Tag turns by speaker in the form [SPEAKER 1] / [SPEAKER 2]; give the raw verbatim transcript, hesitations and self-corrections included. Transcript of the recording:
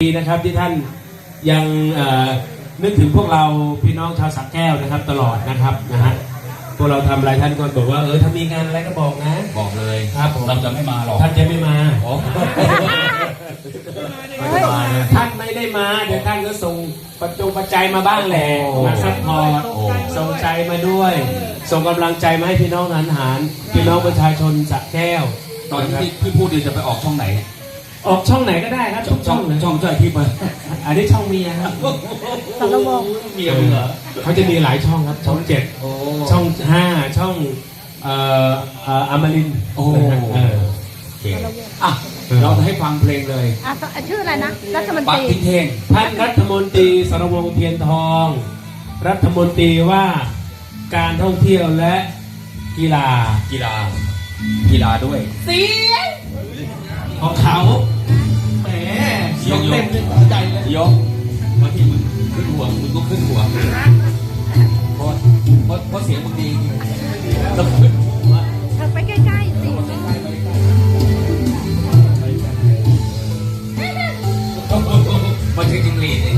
[SPEAKER 1] ดีนะครับที่ท่านยังนึกถึงพวกเราพี่น้องชาวสระแก้วนะครับตลอดนะครับนะฮะพวกเราทำอะไรท่านก็บอกว่าเออถ้ามีงานอะไรก็บอกนะ
[SPEAKER 2] บอกเลย
[SPEAKER 1] ครับผม
[SPEAKER 2] เราจะไม่มาหรอก
[SPEAKER 1] ท่านจะไม่มา
[SPEAKER 2] ท่าน
[SPEAKER 1] ไม่ได้มาเดี๋ยวท่านก็ส่งปัจจุปัจจัยมาบ้างแหละมาซัพพอร์ตส่งใจมาด้วยส่งกำลังใจมาให้พี่น้องทหารพี่น้องประชาชนสระแก้ว
[SPEAKER 2] ตอนที่พี่พูดดีจะไปออกช่องไหน
[SPEAKER 1] ออกช่องไหนก็ได้ครับ
[SPEAKER 2] ช่องช่องช่องช่อยที่มา
[SPEAKER 1] อันนี้ช่องเมียครับ
[SPEAKER 3] สารวง
[SPEAKER 1] เมียเหรอเขาจะมีหลายช่องครับช่องเจ็ดช่องห้าช่องเอ่อเอ่ออมรินทร์
[SPEAKER 2] โอ้โอเคอ่ะเราจะให้ฟังเพลงเลย
[SPEAKER 3] อ่ะชื่ออะไรนะรัฐมนต
[SPEAKER 2] ปัก
[SPEAKER 3] รี
[SPEAKER 2] ทิ้งเทง
[SPEAKER 1] ท่านรัฐมนตรีสรวงศ์เทียนทอง รัฐมนตรีว่าการท่องเที่ยวและกีฬา
[SPEAKER 2] กีฬากีฬาด้วย
[SPEAKER 1] เสียงของเขาแหมยกเต็มเลยหัวใจเลย
[SPEAKER 2] ยกมาที่มึงขึ้นหัวมึงก็ขึ้นหัวเพราะเพราะเพราะเสียงมึงดีต้องขึ้นหัว
[SPEAKER 3] เธอไปใกล้ๆสิ
[SPEAKER 2] มาถึงจิงหรีด